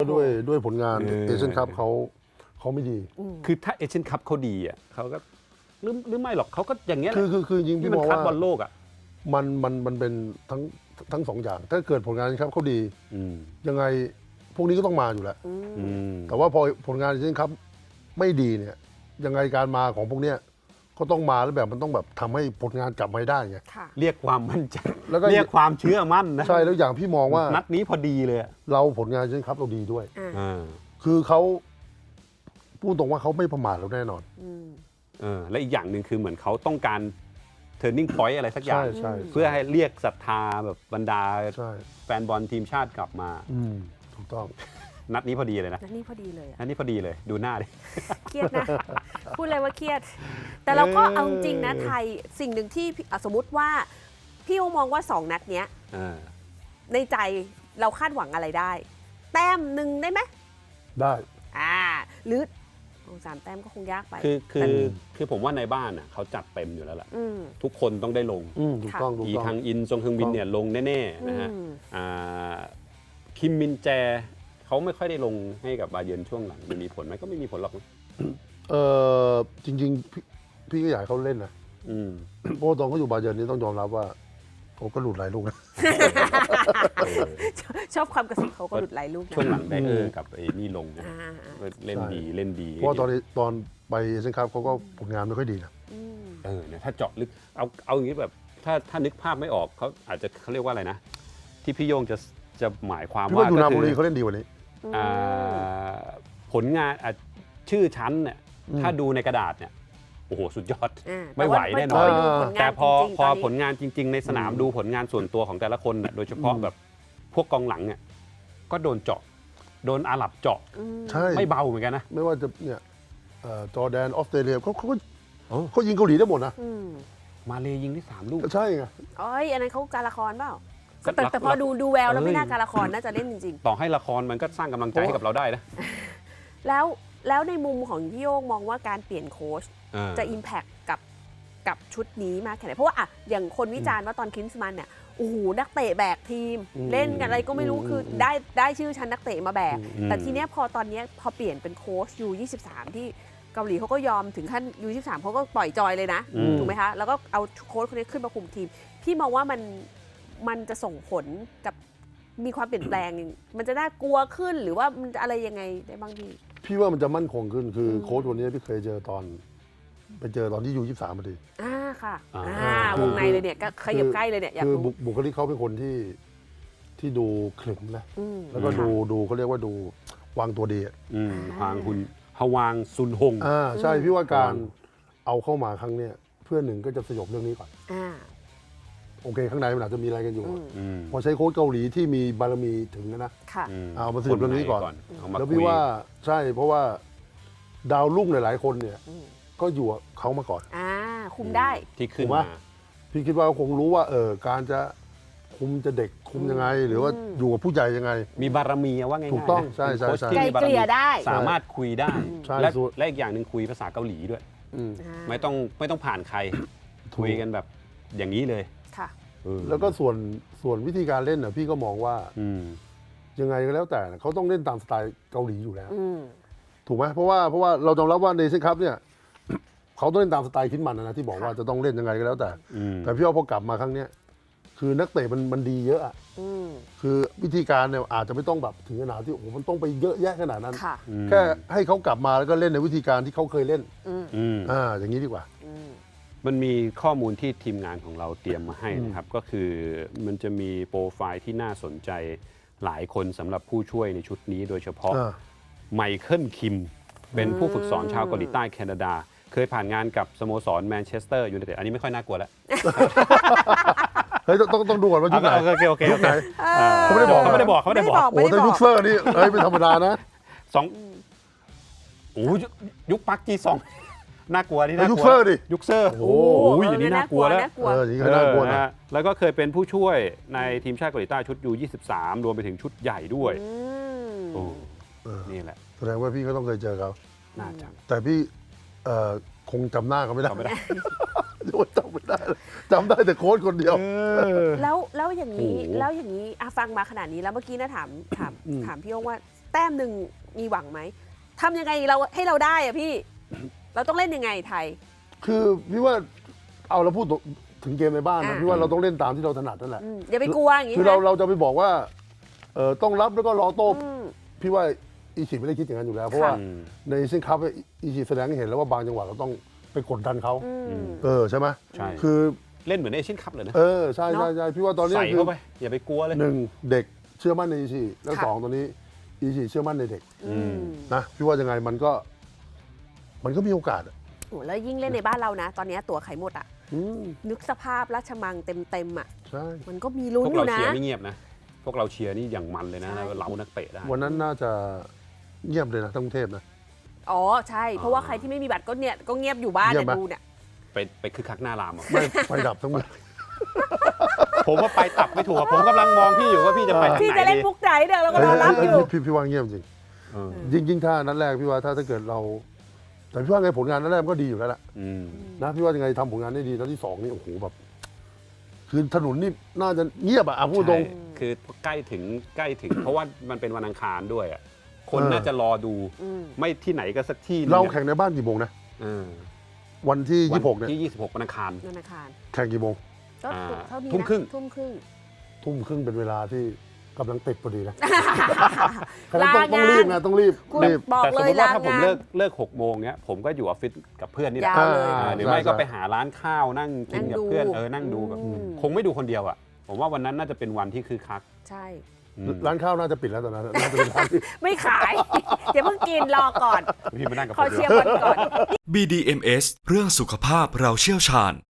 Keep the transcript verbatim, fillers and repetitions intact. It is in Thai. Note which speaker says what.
Speaker 1: ด้วยด้วยผลงานเอเชียนคัพเขาเขาไม่ดี
Speaker 2: คือถ้าเอเชียนคัพเขาดีอ่ะเขาก็หรือหรือไม่หรอกเขาก็อย่างเงี้ย
Speaker 1: คือคือคือจริงพี่มองว่า
Speaker 2: บอลโลกอ่ะ
Speaker 1: มันมันมันเป็นทั้งทั้งสองอย่างถ้าเกิดผลงานครับเขาดียังไงพวกนี้ก็ต้องมาอยู่แล้วแต่ว่าพอผลงานเอเชียนคัพไม่ดีเนี่ยยังไงการมาของพวกเนี้ยก็ต้องมาแล้วแบบมันต้องแบบทำให้ผลงานกลับมาได้ไง
Speaker 2: เรียกความมั่นใจเรียกความเชื่อมั่นนะ
Speaker 1: ใช่แล้วอย่างพี่มองว่า
Speaker 2: นัดนี้พอดีเลย
Speaker 1: เราผลงานเอเชียนคัพเราดีด้วยคือเขาพูดตรงว่าเขาไม่ประมาทเราแน่นอน
Speaker 2: เออและอีกอย่างหนึ่งคือเหมือนเขาต้องการ turning point อะไรสักอย่างเพื่อให้เรียกศรัทธาแบบบรรดาแฟนบอลทีมชาติกลับมา
Speaker 1: ถูกต้อง
Speaker 2: นัดนี้พอดีเลยนะ
Speaker 3: นัดนี้พอดีเลย
Speaker 2: นัดนี้พอดีเลยดูหน้าดิ
Speaker 3: เครียดนะพูดเลยว่าเครียดแต่เราก็เอาจริงนะไทยสิ่งหนึ่งที่สมมติว่าพี่โอมองว่าสองนัดเนี้ยในใจเราคาดหวังอะไรได้แต้มหนึ่งได้ไหม
Speaker 1: ได้
Speaker 3: อ่าหรือสามแต้มก็คงยากไป
Speaker 2: คือคือคือผมว่าในบ้านอ่ะเขาจัดเต็มอยู่แล้วล่ะทุกคนต้องได้ลง
Speaker 1: ถูกต้อง
Speaker 2: อีทางอินซงฮึงบินเนี่ยลงแน่ๆนะฮะคิมมินแจเขาไม่ค่อยได้ลงให้กับบาเยิร์นช่วงหลังมีผลไหมก็ไม่มีผลหรอก
Speaker 1: เออจริงๆพี่พี่ก็อยากเขาเล่นนะเพราะตอนเขาอยู่บาเยิร์นนี่ต้องยอมรับว่าเขาก็หลุดหลายลูกนะ
Speaker 3: ชอบความกระสิบเขาก็หลุดหลายลูก
Speaker 2: ช่วงหลังได้เออกับไอ้นี่ลงเล่นดีเล่นดี
Speaker 1: เพราะตอนตอนไปเอเชียนคัพเขาก็ผลงานไม่ค่อยดีนะ
Speaker 2: เออเนี่ยถ้าเจาะลึกเอาเอาอย่างนี้แบบถ้าถ้านึกภาพไม่ออกเขาอาจจะเขาเรียกว่าอะไรนะที่พี่โยงจะจะหมายความว่า
Speaker 1: ก็คือนาโปลีเขาเล่นดีกว่านี้
Speaker 2: ผลงานชื่อชั้นเนี่ยถ้าดูในกระดาษเนี่ยโอ้โหสุดยอดไม่ไหวแน่นอนแต่พอพอผลงานจริงๆในสนามดูผลงานส่วนตัวของแต่ละคนโดยเฉพาะแบบพวกกองหลังเนี่ยก็โดนเจาะโดนอาหรับเจาะไม่เบาเหมือนกันนะ
Speaker 1: ไม่ว่าจะเนี่ยจอร์แดนออสเตรเลียเขาเขาเขายิงเกาหลีได้หมดนะ
Speaker 2: มาเลยิงที่สามลูก
Speaker 1: ใช่ไง
Speaker 3: อ๋ออันนั้นเขาการละครเปล่าแต่แต่พอดูดูแววแล้วไม่น่าการละครน่าจะเล่นจริง
Speaker 2: ๆต่อให้ละครมันก็สร้างกำลังใจให้กับเราได้นะ
Speaker 3: แล้วแล้วในมุมของพี่โยงมองว่าการเปลี่ยนโค้ชจะอิมแพคกับกับชุดนี้มากแค่ไหนเพราะว่าอะอย่างคนวิจารณ์ว่าตอนคลินส์มันเนี่ยโอ้โหนักเตะแบกทีมเล่นกันอะไรก็ไม่รู้คือได้ได้ชื่อชั้นนักเตะมาแบกแต่ทีเนี้ยพอตอนนี้พอเปลี่ยนเป็นโค้ชยูยี่สิบสามที่เกาหลีเขาก็ยอมถึงขั้นยูยี่สิบสามเขาก็ปล่อยจอยเลยนะถูกไหมคะแล้วก็เอาโค้ชคนนี้ขึ้นมาคุมทีมพี่มองว่ามันมันจะส่งผลกับมีความเปลี่ยนแปลงมันจะน่ากลัวขึ้นหรือว่ามันจะอะไรยังไงได้บ้างพี่
Speaker 1: พี่ว่ามันจะมั่นคงขึ้นคือโค้ชคนนี้พี่เคยเจอตอนไปเจอตอนที่ยูยี่สิบสามพอดี
Speaker 3: อ่าค่ะอ่าวงในเลยเนี่ยก็ขยับใกล้เลยเนี่ยอยาก
Speaker 1: รู้
Speaker 3: คือ
Speaker 1: บุคลิกเขาเป็นคนที่ที่ดูขรึมนะแล้วก็ดูดูเขาเรียกว่าดูวางตัวดีอ่ะ
Speaker 2: วางคุณฮวางซุนฮง
Speaker 1: อ่าใช่พี่ว่าการเอาเข้ามาครั้งเนี้ยเพื่อนหนึ่งก็จะสยบเรื่องนี้ก่อน
Speaker 3: อ่า
Speaker 1: โอเคข้างในมันอาจจะมีอะไรกันอยู่พอใช้โค้ชเกาหลีที่มีบารมีถึงนะเอามาสยบเรื่องนี้ก่อนแล้วพี่ว่าใช่เพราะว่าดาวรุ่งหลายๆคนเนี่ยก็อยู่เขามาก่อน
Speaker 3: อ่าคุมได้
Speaker 2: ที่ขึ้นมา
Speaker 1: พี่คิดว่าคงรู้ว่าเออการจะคุมจะเด็กคุมยังไงหรือว่าอยู่กับผู้ใหญ่ยังไง
Speaker 2: มีบารมีว่าไง
Speaker 1: ถูกต้องใช่ใช่ใช่
Speaker 3: ไกลเกลี่ยได้
Speaker 2: สามารถคุยได้และและอีกอย่างหนึ่งคุยภาษาเกาหลีด้วยไม่ต้องไม่ต้องผ่านใครคุยกันแบบอย่างนี้เลย
Speaker 3: ค่ะ
Speaker 1: แล้วก็ส่วนส่วนวิธีการเล่นน่ะพี่ก็มองว่ายังไงก็แล้วแต่เขาต้องเล่นตามสไตล์เกาหลีอยู่แล้วถูกไหมเพราะว่าเพราะว่าเราต้องรับว่าในเอเชียนคัพเนี่ยเขาต้องเล่นตามสไตล์คิดมันนะที่บอกว่าจะต้องเล่นยังไงก็แล้วแต่แต่พี่ว่าพอกลับมาครั้งนี้คือนักเตะมันมันดีเยอะอ่ะคือวิธีการเนี่ยอาจจะไม่ต้องแบบถึงขนาดที่โอ้โหมันต้องไปเยอะแยะขนาดนั้นแค่ให้เขากลับมาแล้วก็เล่นในวิธีการที่เขาเคยเล่นอ่าอย่างนี้ดีกว่า
Speaker 2: มันมีข้อมูลที่ทีมงานของเราเตรียมมาให้นะครับก็คือมันจะมีโปรไฟล์ที่น่าสนใจหลายคนสำหรับผู้ช่วยในชุดนี้โดยเฉพาะไมเคิลคิมเป็นผู้ฝึกสอนชาวเกาหลีใต้แคนาดาเคยผ่านงานกับสโมสรแมนเชสเตอร์ยูไนเต็ดอันนี้ไม่ค่อยน่ากลัวแล้ว
Speaker 1: เฮ้ยต้องต้องดูก่อนว่ายุคไหน
Speaker 2: โอเคโอเค
Speaker 1: ยุคไหน
Speaker 2: เขาไม่ได้บอกเขาไม่ได้บอกเขาไม่ได้บอก
Speaker 1: โอ้แต่ยุคเซอร์นี่เฮ้ยเป็นธรรมดานะ
Speaker 2: สองโอ้ยุคปักจีสองน่ากลัวนี่น่ากลัว
Speaker 1: ยุคเซอร์ดิ
Speaker 2: ยุคเซอร์โอ้ยอย่างนี้น่ากลัวแล้ว
Speaker 1: เอออย่างนี้น่ากลัวนะ
Speaker 2: แล้วก็เคยเป็นผู้ช่วยในทีมชาติเกาหลีใต้ชุดยูยี่สิบสามรวมไปถึงชุดใหญ่ด้วยโอ้นี่แหละ
Speaker 1: แสดงว่าพี่ก็ต้องเคยเจอเขา
Speaker 2: น่าจะ
Speaker 1: แต่พี่คงจำหน้าเขาไม่ได้จำไม่ได้จำไม่ได้จำได้แต่โค้ชคนเดียว
Speaker 3: แล้วแล้วอย่างนี้แล้วอย่างนี้ฟังมาขนาดนี้แล้วเมื่อกี้นะถามถามถามพี่โอ๊คว่าแต้มหนึ่งมีหวังไหมทำยังไงเราให้เราได้อะพี่ เราต้องเล่นยังไงไทย
Speaker 1: คือพี่ว่าเอาเราพูดถึงเกมในบ้านนะ
Speaker 3: อ่า
Speaker 1: พี่ว่าเราต้องเล่นตามที่เราถนัดนั่นแหละ
Speaker 3: อืมอย่าไปกลัวอย่างงี้
Speaker 1: คือเรา
Speaker 3: นะ
Speaker 1: เราจะไปบอกว่าเออต้องรับแล้วก็รอโต้
Speaker 3: อืม
Speaker 1: พี่ว่าอียิปต์ไม่ได้คิดอย่างนั้นอยู่แล้ว เพราะว่า
Speaker 2: อืม
Speaker 1: ในเส้นคัพอียิปต์แสดงให้เห็นแล้วว่าบางจังหวะเราต้องไปกดดันเขา
Speaker 3: อืม
Speaker 1: เออใช่ไหม
Speaker 2: ใช่
Speaker 1: คือ
Speaker 2: เล่นเหมือนเอเชียนคัพเลยนะ
Speaker 1: เออใช่
Speaker 3: เนอะ
Speaker 1: ใช่ใช่พี่ว่าตอนนี้
Speaker 2: ใส่
Speaker 1: คือ
Speaker 2: เข้าไปอย่าไปกลัวเลย
Speaker 1: หนึ่งเด็กเชื่อมั่นในอีชีแล้ว
Speaker 3: ค่ะ
Speaker 1: สองตอนนี้อีชีเชื่อมั่นในเด็ก
Speaker 3: อืม
Speaker 1: นะพี่ว่ายังไงมันก็ มันก็มีโอกาสอะ
Speaker 3: โอ้แล้วยิ่งเล่นในบ้านเรานะ ตอนนี้ตั๋วขายหมดอ่ะ
Speaker 1: อืม
Speaker 3: นึกสภาพราชมังเต็มๆอ่ะ
Speaker 1: ใช่
Speaker 3: มันก็มี
Speaker 2: พ
Speaker 3: ลุ้น
Speaker 2: วก
Speaker 3: อ
Speaker 2: เรา
Speaker 3: ยู่นะ
Speaker 2: เชียร์ไม่เงียบนะ พวกเราเชียร์นี่อย่างมันเลยนะ
Speaker 3: ใช่
Speaker 2: เรานักเตะได้
Speaker 1: วันนั้นน่าจะเงียบเลยนะทั้งกรุงเทพนะ
Speaker 3: อ๋อใช่ เพราะว่าใครที่ไม่มีบัตรก็เนี่ยก็เงียบอยู่บ้าน
Speaker 1: เงีย
Speaker 3: เนี่
Speaker 1: บ
Speaker 3: ย
Speaker 1: ไหม
Speaker 3: ดูเนี่ย
Speaker 2: ไปไปคึกคักหน้ารามอะ
Speaker 1: ไม่ไฟดับทั้งหมด
Speaker 2: ผมว่าไปตับไม่ถูกอะผมกำลังมองพี่อยู่ว่าพี่จะไปทาง
Speaker 3: พี่
Speaker 2: ไหน
Speaker 3: จะเล่น
Speaker 2: ดี
Speaker 3: มุกไหนเดี๋ยวเราก็
Speaker 1: เอ้
Speaker 3: รอยรับ
Speaker 1: เอ้
Speaker 3: อย ยู่
Speaker 1: พี่พี่ว่าเงียบจริง
Speaker 2: เออ
Speaker 1: ยิ่งยิ่งถ้านัดแรกพี่ว่าถ้าถ้าเกิดเรา แต่พี่ว่าไงผลงานนัดแรกมันก็ดีอยู่แล้วแหละ
Speaker 2: อืม
Speaker 1: นะพี่ว่ายังไงทำผลงานได้ดีนัดที่สองนี่โอ้โหแบบ คือถนนนี่น่าจะเงียบอะอ่ะพูดตรง
Speaker 2: ใช่คือใกล้ถึงใกล้ถึง เพราะว่ามันเป็นวันอังคารด้วยอะคน
Speaker 1: เออ
Speaker 2: น่าจะรอดู
Speaker 3: อืม
Speaker 2: ไม่ที่ไหนก็สักที่หนึ่ง
Speaker 1: เรา
Speaker 2: อะ
Speaker 1: แข่งในบ้านกี่โมงนะ
Speaker 2: เออ
Speaker 1: วันที่
Speaker 2: วั
Speaker 1: ยี่สิบหกเนี่ย
Speaker 2: ที่ยี่สิบหกวันอังคาร
Speaker 3: ธนาคาร
Speaker 1: แข่งกี่โมง
Speaker 3: ก็
Speaker 2: อ่า
Speaker 3: เท่านี้นะ
Speaker 2: ทุ่มครึ่ง
Speaker 3: ทุ่มครึ่ง
Speaker 1: ทุ่มครึ่งเป็นเวลาที่กำลังติดพอดีนะฉะนั้นต้อง
Speaker 3: ลางาน
Speaker 1: ต้องรีบไงต้องรีบ
Speaker 3: คุณ
Speaker 1: รีบ
Speaker 3: บอก
Speaker 2: แต่
Speaker 3: เล
Speaker 2: สมม
Speaker 3: ย
Speaker 2: ติว่า
Speaker 3: ลา
Speaker 2: ถ้าผม
Speaker 3: งาน
Speaker 2: เลิกเลิกหกโมงเนี้ยผมก็อยู่ออฟฟิศกับเพื่อนนี่แหละ
Speaker 3: ยาวเลย
Speaker 2: อ่าหรือไม่ก็ไปหาร้านข้าวนั่งกิน
Speaker 3: นั่ง
Speaker 2: กับ
Speaker 3: ดู
Speaker 2: เพื่อนเออนั่งดูแบบ
Speaker 3: อืม
Speaker 2: คงไม่ดูคนเดียวอ่ะผมว่าวันนั้นน่าจะเป็นวันที่คือคัก
Speaker 3: ใช่
Speaker 2: อืม
Speaker 1: ร้านข้าวน่าจะปิดแล้วตอนนั้นน่าจะเป็นร้านที่
Speaker 3: ไม่ขาย เดี๋ยวเพิ่งกินรอก่อน
Speaker 2: พี่มานั่งกับ
Speaker 3: ข
Speaker 2: ผ
Speaker 3: อ
Speaker 2: มดี
Speaker 3: เชีย
Speaker 2: ก
Speaker 3: ร์
Speaker 2: ว่า
Speaker 3: บอลก่อน
Speaker 4: บี ดี เอ็ม เอส เรื่องสุขภาพเราเชี่ยวชาญ